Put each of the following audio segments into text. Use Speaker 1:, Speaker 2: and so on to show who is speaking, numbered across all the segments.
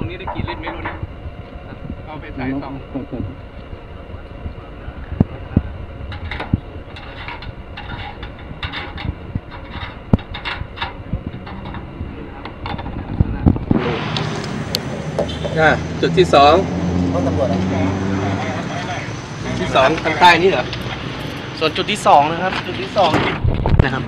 Speaker 1: นี้ได้กี่ลิตรไม่รู้นะเอาไปใส่ซองจุดที่สองห้องตำรวจจุดที่สองทางใต้นี่เหรอ
Speaker 2: ส่วนจุดที่สองนะครับจุดที่สองนะครับ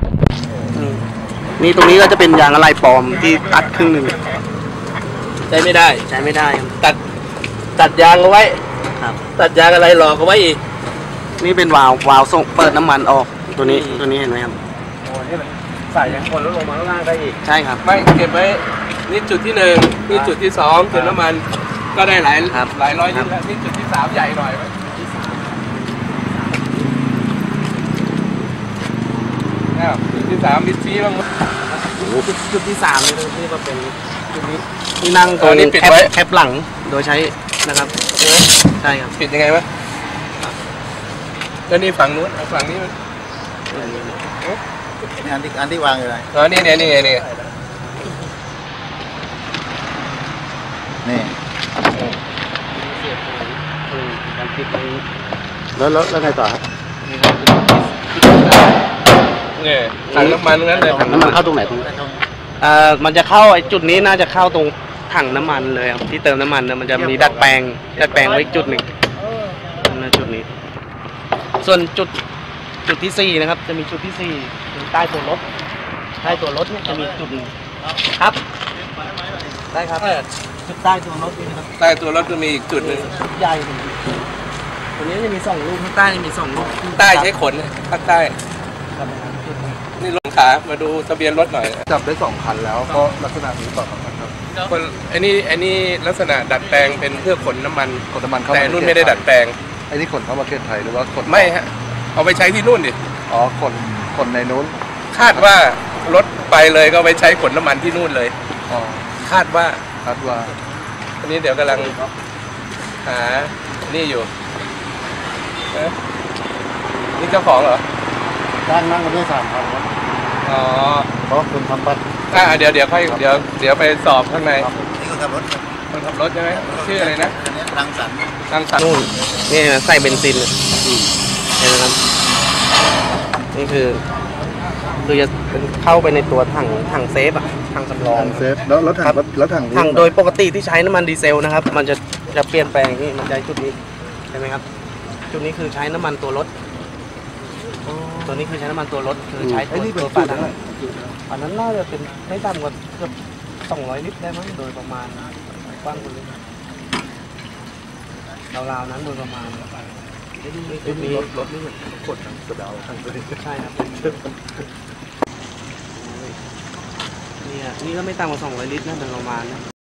Speaker 2: นี่ตรงนี้ก็จะเป็นยางอะไหล่ปลอมที่ตัดครึ่งหนึ่ง
Speaker 1: ใช้ไม่ได้ครับตัดยางเอาไว้
Speaker 2: ครับ
Speaker 1: ตัดยางอะไรหลอกเอาไว้อีก
Speaker 2: นี่เป็นวาล์วส่งเปิดน้ำมันออกตัวนี้เห็นไหมครับ
Speaker 1: โอ้นี่มันใส่ยังคนแล้วลงมาข้างล่างได้อีก
Speaker 2: ใช่ครับ
Speaker 1: ไม่เก็บไว้นี่จุดที่หนึ่งนี่จุดที่สองเติมน้ำมันก็ได้หลายร้อยลิตรแล้วนี่จุดที่สามใหญ่หน่อยไหมจุดที่สามมิดซีบ้าง
Speaker 2: จุดที่สามนี่ที่มาเป็นจุดนี้ที่นั่งตรงแคปหลังโดยใช้นะครับใช่ครับ
Speaker 1: ปิดยังไงวะแล้วนี่ฝั่งนู้นฝั่งนี้มัน
Speaker 3: อันที่วางอยู่ไหน
Speaker 1: นี่ไงนี่
Speaker 2: แล้วไงต่อครับ
Speaker 1: เนี่ยถังน้ำมันงั้นเลย
Speaker 2: ถังน้ำมันเข้าตรงไหนตรงมันจะเข้าไอ้จุดนี้น่าจะเข้าตรงถังน้ำมันเลยครับที่เติมน้ำมันนะมันจะมีดัดแปลงไว้จุดหนึ่งนะจุดนี้ส่วนจุดที่สี่นะครับจะมีจุดที่สี่ใต้ตัวรถเนี่ยจะมีจุดครับได้ครับจุดใต้ตัวรถนี่ครับ
Speaker 1: ใต้ตัวรถจะมีอีกจุดหนึ่ง
Speaker 2: ใหญ่ตัวนี้จะมี2 ลูกข้างใต้มี2 ลูก
Speaker 1: ใต้ใช้ขนภาคใต้นี่ลงขามาดูทะเบียนรถหน่อย
Speaker 3: จับได้2 คันแล้วก็ลักษณะนี้ต่อครับ
Speaker 1: คนอันนี้ลักษณะดัดแปลงเป็นเพื่อขนน้ำมันแต่นู่นไม่ได้ดัดแปลง
Speaker 3: ไอ้นี่ขนเข้าประเทศไทยหรือว่าขน
Speaker 1: ไม่ฮะเอาไปใช้ที่นู่นดิ
Speaker 3: อ๋อขนในนู้น
Speaker 1: คาดว่ารถไปเลยก็ไปใช้ขนน้ำมันที่นู่นเลย
Speaker 3: อ๋อ
Speaker 1: คาดว่า
Speaker 3: อั
Speaker 1: นนี้เดี๋ยวกำลังหานี่อยู่นี่เจ้าของเหรอ
Speaker 3: นั่งมาด้วย3 คันครับ
Speaker 1: อ๋อ
Speaker 3: เพราะคุณทำบัตร
Speaker 1: เดี๋ยวไปสอบข้างใน
Speaker 3: นี่คนขับรถ
Speaker 1: ใช่ไหมชื่ออะไรนะ
Speaker 3: รังสรรค์
Speaker 2: นู่นนี่ใส่เบนซินเห็นไหมครับนี่คือจะเข้าไปในตัวถังเซฟถังสำรอง
Speaker 3: เซฟแล้วถัง
Speaker 2: โดยปกติที่ใช้น้ำมันดีเซลนะครับมันจะเปลี่ยนแปลงนี่มันใช้จุดนี้ใช่ไหมครับจุดนี้คือใช้น้ำมันตัวรถตัวนี้คือใช้น้ำมันตัวรถคือใช้ตัวฝาถังอันนั้นน่าจะเป็นไม่ต่ำกว่าเกือบ200 ลิตรได้มั้งโดยประมาณกว้างกว่านี้ราวๆนั้นโดยประมาณ
Speaker 3: มีรถนี่ขนกระเดาทั้งตัว
Speaker 2: ใช่ครับนี่ก็ไม่ต่ำกว่า200 ลิตรนะโดยประมาณ